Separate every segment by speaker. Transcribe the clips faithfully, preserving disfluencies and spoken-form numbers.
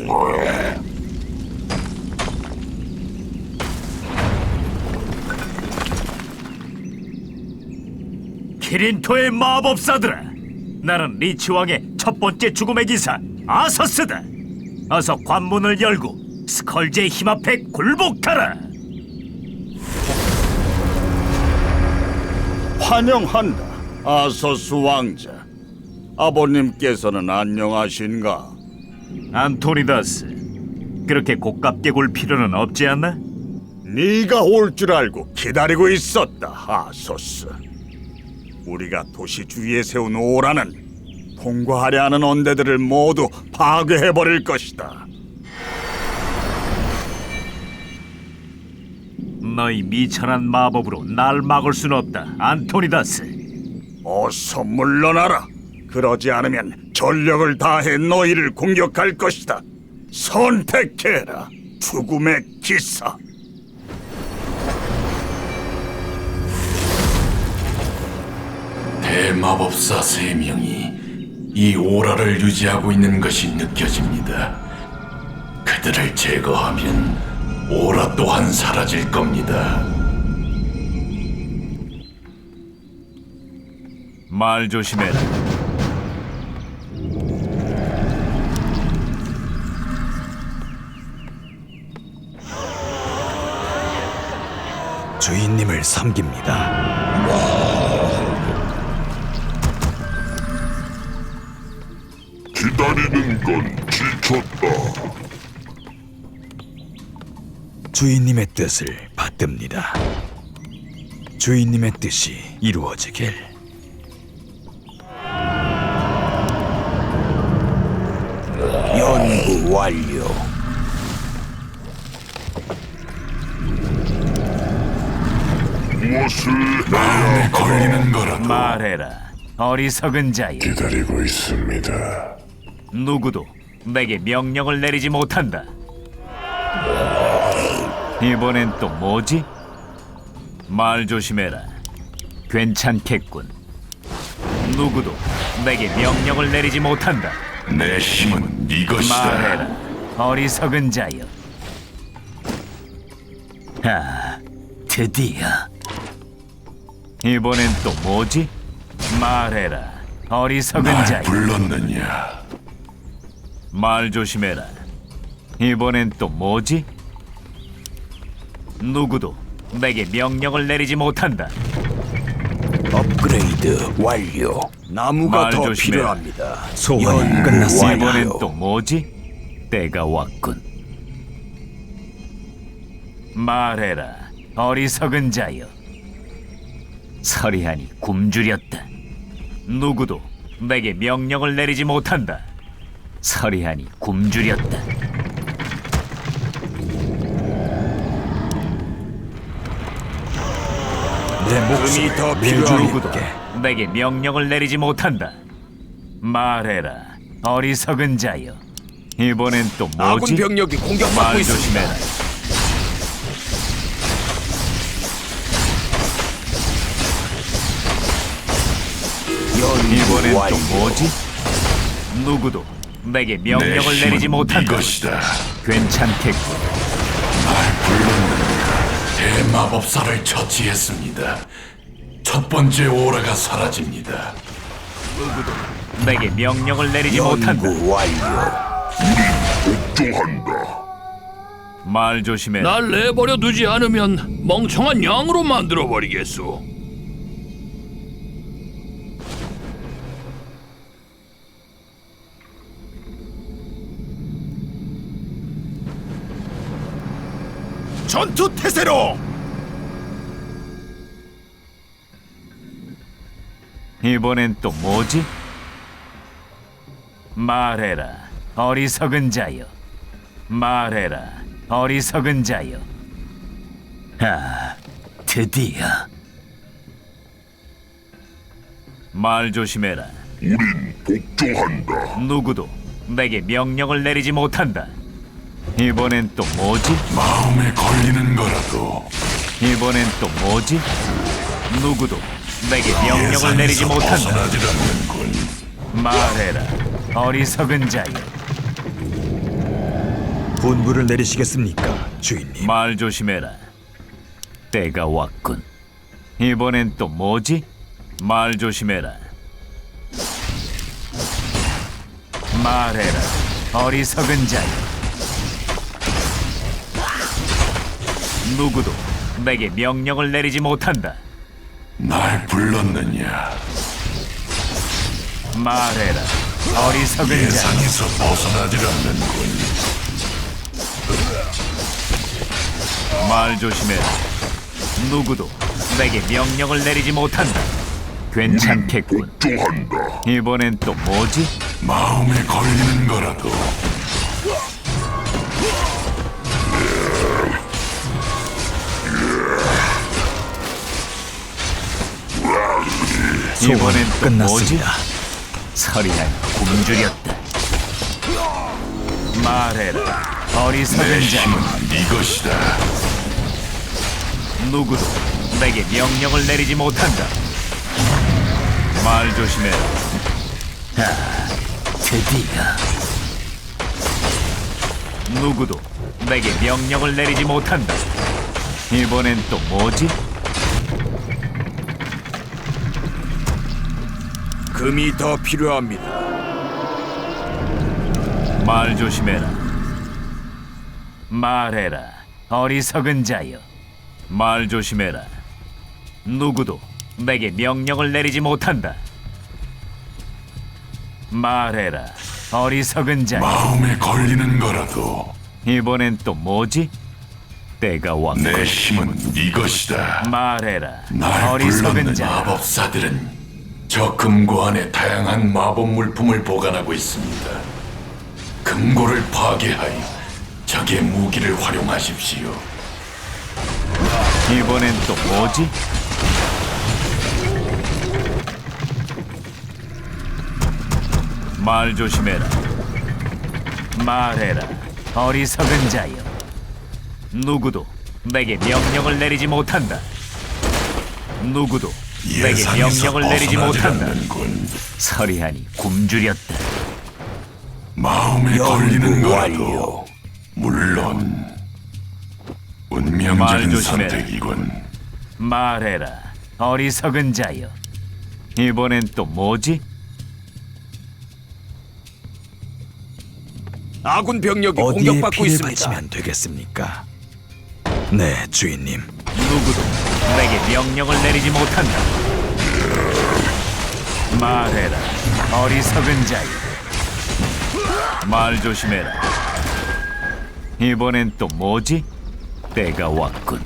Speaker 1: 키린토의 마법사들아, 나는 리치 왕의 첫 번째 죽음의 기사 아서스다. 어서 관문을 열고 스컬지의 힘 앞에 굴복하라.
Speaker 2: 환영한다, 아서스 왕자. 아버님께서는 안녕하신가?
Speaker 1: 안토니다스, 그렇게 고깝게 굴 필요는 없지 않나?
Speaker 2: 네가 올 줄 알고 기다리고 있었다, 아소스. 우리가 도시 주위에 세운 오라는 통과하려 하는 언데들을 모두 파괴해버릴 것이다.
Speaker 1: 너희 미천한 마법으로 날 막을 순 없다, 안토니다스.
Speaker 2: 어서 물러나라. 그러지 않으면 전력을 다해 너희를 공격할 것이다. 선택해라, 죽음의 기사.
Speaker 3: 대마법사 세 명이 이 오라를 유지하고 있는 것이 느껴집니다. 그들을 제거하면 오라 또한 사라질 겁니다.
Speaker 1: 말 조심해라.
Speaker 4: 주인님을 섬깁니다.
Speaker 5: 기다리는 건 지쳤다.
Speaker 4: 주인님의 뜻을 받듭니다. 주인님의 뜻이 이루어지길.
Speaker 2: 연구 완료.
Speaker 5: 무엇을
Speaker 3: 마음에
Speaker 5: 해야
Speaker 3: 걸리는 거라도
Speaker 1: 말해라, 어리석은 자여.
Speaker 5: 기다리고 있습니다.
Speaker 1: 누구도 내게 명령을 내리지 못한다. 이번엔 또 뭐지? 말 조심해라. 괜찮겠군. 누구도 내게 명령을 내리지 못한다.
Speaker 3: 내 힘은 네 것이다.
Speaker 1: 말해라, 어리석은 자여. 아, 드디어. 이번엔 또 뭐지? 말해라, 어리석은
Speaker 3: 날
Speaker 1: 자여.
Speaker 3: 불렀느냐?
Speaker 1: 말 조심해라. 이번엔 또 뭐지? 누구도 내게 명령을 내리지 못한다.
Speaker 2: 업그레이드 완료. 나무가
Speaker 1: 말
Speaker 2: 더
Speaker 1: 조심해라.
Speaker 2: 필요합니다.
Speaker 4: 소환이 끝났습니다.
Speaker 1: 이번엔 또 뭐지? 때가 왔군. 말해라, 어리석은 자여. 서리하니 굶주렸다. 누구도 내게 명령을 내리지 못한다. 서리하니 굶주렸다.
Speaker 4: 내 목숨이 더 필요하게.
Speaker 1: 누구도 내게 명령을 내리지 못한다. 말해라, 어리석은 자여. 이번엔 또 뭐지?
Speaker 2: 아군 병력이 공격받고
Speaker 1: 말
Speaker 2: 있습니다.
Speaker 1: 조심해라. 이번엔 또 뭐지? 누구도 내게
Speaker 3: 내
Speaker 1: 명령을 내리지
Speaker 3: 힘은 네
Speaker 1: 못한다.
Speaker 3: 것이다.
Speaker 1: 괜찮겠군.
Speaker 3: 날 불렀느냐? 대마법사를 처치했습니다. 첫 번째 오라가 사라집니다.
Speaker 1: 내게 명령을 내리지 못한다.
Speaker 5: 복종한다.
Speaker 1: 말 조심해라.
Speaker 6: 날 내버려 두지 않으면 멍청한 양으로 만들어 버리겠소.
Speaker 2: 전투 태세로.
Speaker 1: 이번엔 또 뭐지? 말해라, 어리석은 자여. 말해라, 어리석은 자여. 아, 드디어. 말 조심해라.
Speaker 5: 우린 복종한다.
Speaker 1: 누구도 내게 명령을 내리지 못한다. 이번엔 또 뭐지?
Speaker 3: 마음에 걸리는 거라도
Speaker 1: 이번엔 또 뭐지? 누구도 내게 명령을 내리지
Speaker 3: 예상에서
Speaker 1: 못한다.
Speaker 3: 벗어나질 않는군.
Speaker 1: 말해라, 어리석은 자여.
Speaker 4: 분부를 내리시겠습니까, 주인님?
Speaker 1: 말 조심해라. 때가 왔군. 이번엔 또 뭐지? 말 조심해라. 말해라, 어리석은 자여. 누구도 내게 명령을 내리지 못한다.
Speaker 3: 날 불렀느냐?
Speaker 1: 말해라, 어리석은 자여.
Speaker 3: 예상에서 벗어나질 않는군.
Speaker 1: 말 조심해라. 누구도 내게 명령을 내리지 못한다. 괜찮겠군.
Speaker 5: 복종한다.
Speaker 1: 이번엔 또 뭐지?
Speaker 3: 마음에 걸리는 거라도
Speaker 1: 이번엔 또 뭐지?
Speaker 4: 끝났습니다.
Speaker 1: 서리한 굶주렸다. 말해라, 어리석은
Speaker 3: 내
Speaker 1: 자.
Speaker 3: 힘은 이것이다.
Speaker 1: 누구도 내게 명령을 내리지 못한다. 말 조심해라. 아, 드디어. 누구도 내게 명령을 내리지 못한다. 이번엔 또 뭐지?
Speaker 2: 금이 더 필요합니다.
Speaker 1: 말 조심해라. 말해라, 어리석은 자여. 말 조심해라. 누구도 내게 명령을 내리지 못한다. 말해라, 어리석은 자여.
Speaker 3: 마음에 걸리는 거라도
Speaker 1: 이번엔 또 뭐지? 때가 왔고.
Speaker 3: 내 힘은 이것이다.
Speaker 1: 말해라,
Speaker 3: 날
Speaker 1: 어리석은
Speaker 3: 불렀는
Speaker 1: 자여.
Speaker 3: 마법사들은 저 금고 안에 다양한 마법 물품을 보관하고 있습니다. 금고를 파괴하여 적의 무기를 활용하십시오.
Speaker 1: 이번엔 또 뭐지? 말 조심해라. 말해라, 어리석은 자여. 누구도 내게 명령을 내리지 못한다. 누구도 내게
Speaker 3: 예상에서
Speaker 1: 명령을 내리지
Speaker 3: 벗어나질
Speaker 1: 못한다.
Speaker 3: 않는군.
Speaker 1: 서리하니 굶주렸다.
Speaker 3: 마음에 걸리는
Speaker 4: 연구
Speaker 3: 거라도 물론
Speaker 1: 말
Speaker 3: 운명적인
Speaker 1: 조심해라.
Speaker 3: 선택이군.
Speaker 1: 말해라, 어리석은 자여. 이번엔 또 뭐지?
Speaker 2: 아군 병력이
Speaker 4: 어디에
Speaker 2: 공격받고
Speaker 4: 피를
Speaker 2: 있습니다.
Speaker 4: 바치면 되겠습니까? 네, 주인님.
Speaker 1: 누구도 내게 명령을 내리지 못한다. 말해라, 어리석은 자여. 말 조심해라. 이번엔 또 뭐지? 때가 왔군.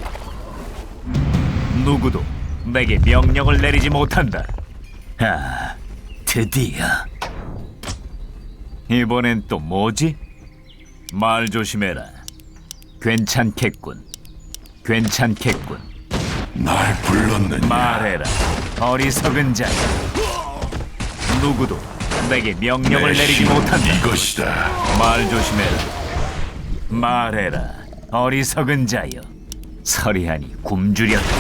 Speaker 1: 누구도 내게 명령을 내리지 못한다. 아, 드디어. 이번엔 또 뭐지? 말 조심해라. 괜찮겠군. 괜찮겠군.
Speaker 3: 날 불렀느냐?
Speaker 1: 말해라, 어리석은 자여. 누구도 내게 명령을
Speaker 3: 내
Speaker 1: 내리지
Speaker 3: 힘은
Speaker 1: 못한다.
Speaker 3: 이것이다.
Speaker 1: 말 조심해라. 말해라, 어리석은 자여. 서리하니 굶주렸다.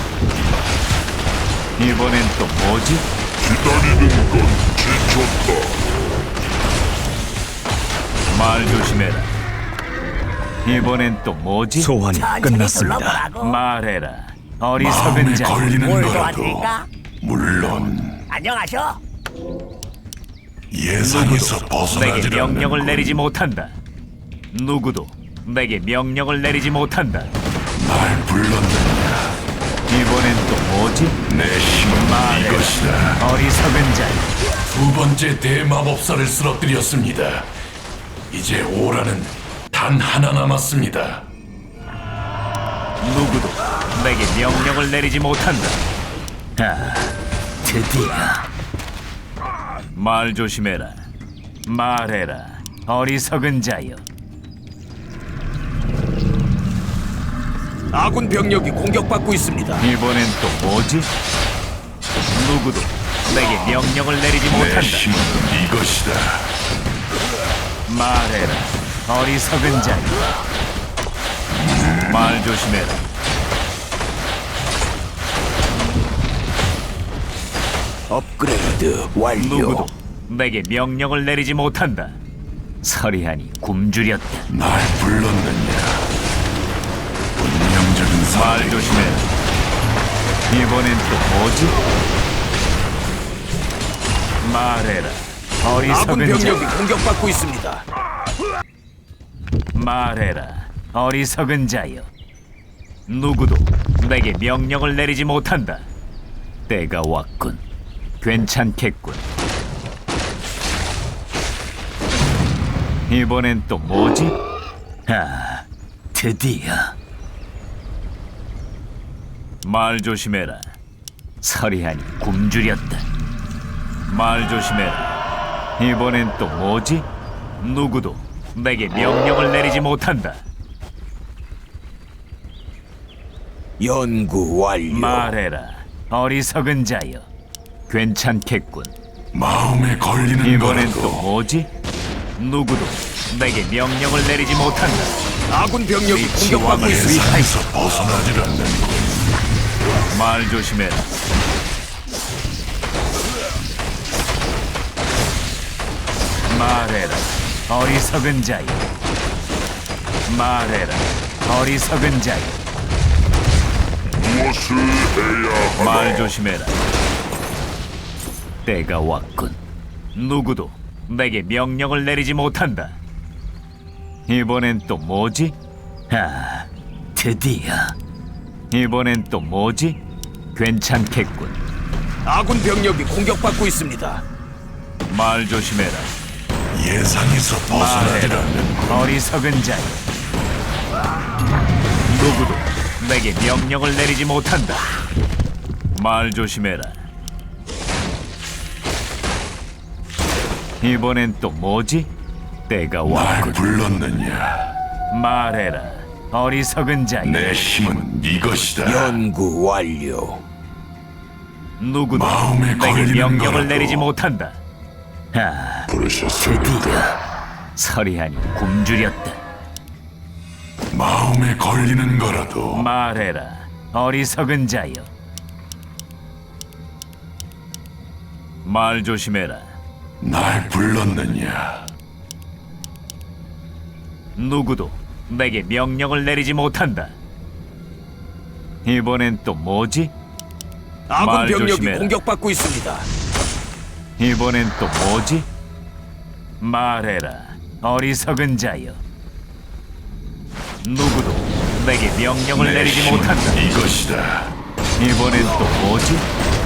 Speaker 1: 이번엔 또 뭐지?
Speaker 5: 기다리는 건 지쳤다.
Speaker 1: 말 조심해라. 이번엔 또 뭐지?
Speaker 4: 소환이 끝났습니다.
Speaker 1: 말해라,
Speaker 3: 마음에
Speaker 1: 어리석은 자여.
Speaker 3: 걸리는 거라도 물론
Speaker 7: 안녕하셔.
Speaker 3: 예상에서
Speaker 1: 내게
Speaker 3: 벗어나질
Speaker 1: 명령을
Speaker 3: 않는군.
Speaker 1: 내리지 못한다. 누구도 내게 명령을 내리지 못한다.
Speaker 3: 날 불렀느냐?
Speaker 1: 이번엔 또 뭐지?
Speaker 3: 내 힘은
Speaker 1: 말해라,
Speaker 3: 이것이다.
Speaker 1: 어리석은 자여.
Speaker 3: 두 번째 대마법사를 쓰러뜨렸습니다. 이제 오라는 단 하나 남았습니다.
Speaker 1: 누구도 내게 명령을 내리지 못한다. 아, 드디어. 말 조심해라. 말해라, 어리석은 자여.
Speaker 2: 아군 병력이 공격받고 있습니다.
Speaker 1: 이번엔 또 뭐지? 누구도 내게 명령을 내리지
Speaker 3: 내
Speaker 1: 못한다.
Speaker 3: 힘은 이것이다.
Speaker 1: 말해라, 어리석은 자여. 말 조심해라.
Speaker 2: 업그레이드 완료.
Speaker 1: 누구도 내게 명령을 내리지 못한다. 서리하니 굶주렸다.
Speaker 3: 날 불렀느냐? 운명적인
Speaker 1: 말
Speaker 3: 선택.
Speaker 1: 조심해라. 이번엔 또 뭐지? 말해라.
Speaker 7: 아군
Speaker 1: 어리석은
Speaker 7: 병력이
Speaker 1: 자.
Speaker 7: 공격받고 있습니다.
Speaker 1: 말해라. 어리석은 자여. 누구도 내게 명령을 내리지 못한다. 때가 왔군. 괜찮겠군. 이번엔 또 뭐지? 아, 드디어. 말 조심해라. 서리하니 굶주렸다. 말 조심해라. 이번엔 또 뭐지? 누구도 내게 명령을 내리지 못한다.
Speaker 7: 연구 완료.
Speaker 1: 말해라. 어리석은 자여. 괜찮겠군.
Speaker 3: 마음에 걸리는
Speaker 1: 이번엔 또
Speaker 3: 거라도
Speaker 1: 뭐지? 누구도 내게 명령을 내리지 못한다.
Speaker 7: 아군 병력이
Speaker 1: 네
Speaker 7: 공격받고
Speaker 1: 지원을
Speaker 7: 있습니다.
Speaker 3: 예상에서 벗어나질 않는군.
Speaker 1: 말 조심해라. 말해라. 어리석은 자여. 말해라. 어리석은 자여.
Speaker 5: 무엇을 해야 하나?
Speaker 1: 말 조심해라. 때가 왔군. 누구도 내게 명령을 내리지 못한다. 이번엔 또 뭐지? 아, 드디어. 이번엔 또 뭐지? 괜찮겠군.
Speaker 7: 아군 병력이 공격받고 있습니다.
Speaker 1: 말 조심해라.
Speaker 3: 예상에서 벗어나질
Speaker 1: 말해라.
Speaker 3: 않는군.
Speaker 1: 어리석은 자여. 누구도 내게 명령을 내리지 못한다. 말 조심해라. 이번엔 또 뭐지? 때가
Speaker 3: 날
Speaker 1: 왔군.
Speaker 3: 불렀느냐?
Speaker 1: 말해라. 어리석은 자여.
Speaker 3: 내 힘은 네 것이다.
Speaker 7: 연구 완료.
Speaker 1: 누구도
Speaker 3: 마음에
Speaker 1: 내게
Speaker 3: 걸리는
Speaker 1: 명령을
Speaker 3: 거라도.
Speaker 1: 내리지 못한다. 아,
Speaker 5: 부르셨습니까?
Speaker 1: 드디어. 서리하니 굶주렸다.
Speaker 3: 마음에 걸리는 거라도
Speaker 1: 말해라. 어리석은 자여. 말 조심해라.
Speaker 3: 날 불렀느냐?
Speaker 1: 누구도 내게 명령을 내리지 못한다. 이번엔 또 뭐지?
Speaker 7: 아군
Speaker 1: 말
Speaker 7: 병력이
Speaker 1: 조심해라.
Speaker 7: 공격받고 있습니다.
Speaker 1: 이번엔 또 뭐지? 말해라. 어리석은 자여. 누구도 내게 명령을
Speaker 3: 내
Speaker 1: 내리지
Speaker 3: 힘은
Speaker 1: 못한다.
Speaker 3: 네 것이다.
Speaker 1: 이번엔 또 뭐지?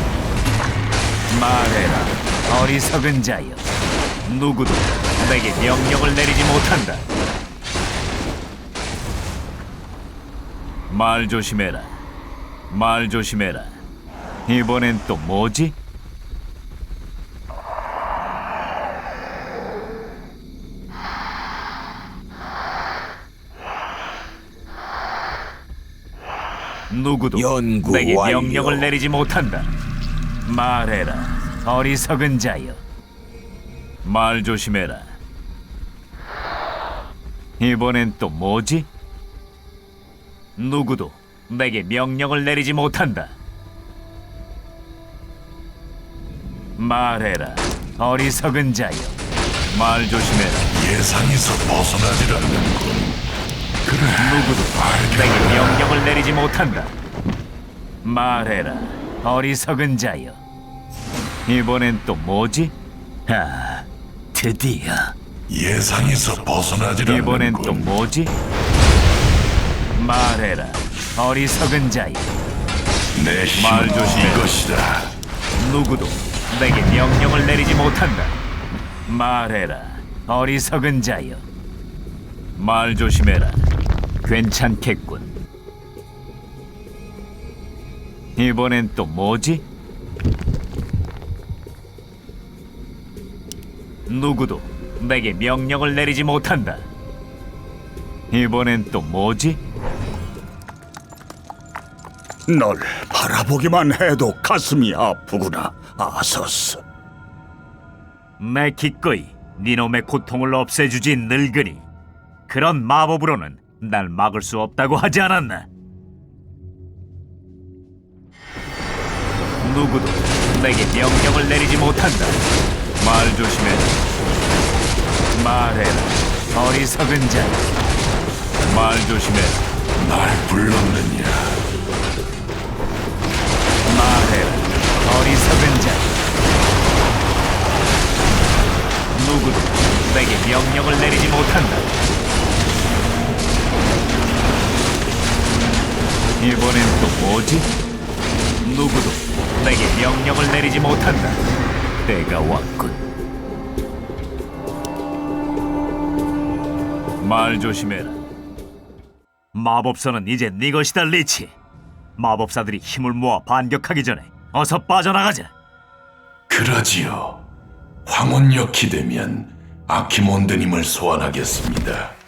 Speaker 1: 말해라. 어리석은 자여. 누구도 내게 명령을 내리지 못한다. 말 조심해라. 말 조심해라. 이번엔 또 뭐지? 누구도
Speaker 7: 연구
Speaker 1: 내게
Speaker 7: 완료.
Speaker 1: 명령을 내리지 못한다. 말해라. 어리석은 자여. 말 조심해라. 이번엔 또 뭐지? 누구도 내게 명령을 내리지 못한다. 말해라. 어리석은 자여. 말 조심해라.
Speaker 3: 예상에서 벗어나질 않는군.
Speaker 1: 누구도 내게 명령을 내리지 못한다. 말해라. 어리석은 자여. 이번엔 또 뭐지? 아, 드디어.
Speaker 3: 예상에서 벗어나질
Speaker 1: 이번엔 또
Speaker 3: 않는군.
Speaker 1: 뭐지? 말해라. 어리석은 자여.
Speaker 3: 내
Speaker 1: 말
Speaker 3: 힘은
Speaker 1: 조심해.
Speaker 3: 네 것이다.
Speaker 1: 누구도 내게 명령을 내리지 못한다. 말해라. 어리석은 자여. 말 조심해라. 괜찮겠군. 이번엔 또 뭐지? 누구도 내게 명령을 내리지 못한다. 이번엔 또 뭐지?
Speaker 2: 널 바라보기만 해도 가슴이 아프구나, 아서스.
Speaker 1: 내 기꺼이 니놈의 고통을 없애주지 늙으니 그런 마법으로는 날 막을 수 없다고 하지 않았나? 누구도 내게 명령을 내리지 못한다. 말 조심해. 말해라, 어리석은 자. 말 조심해.
Speaker 3: 날 불렀느냐?
Speaker 1: 말해라, 어리석은 자. 누구도 내게 명령을 내리지 못한다. 이번엔 또 뭐지? 누구도 내게 명령을 내리지 못한다. 때가 왔군. 말 조심해라. 마법사는 이제 네 것이다, 리치. 마법사들이 힘을 모아 반격하기 전에 어서 빠져나가자.
Speaker 3: 그러지요. 황혼역이 되면 아키몬드님을 소환하겠습니다.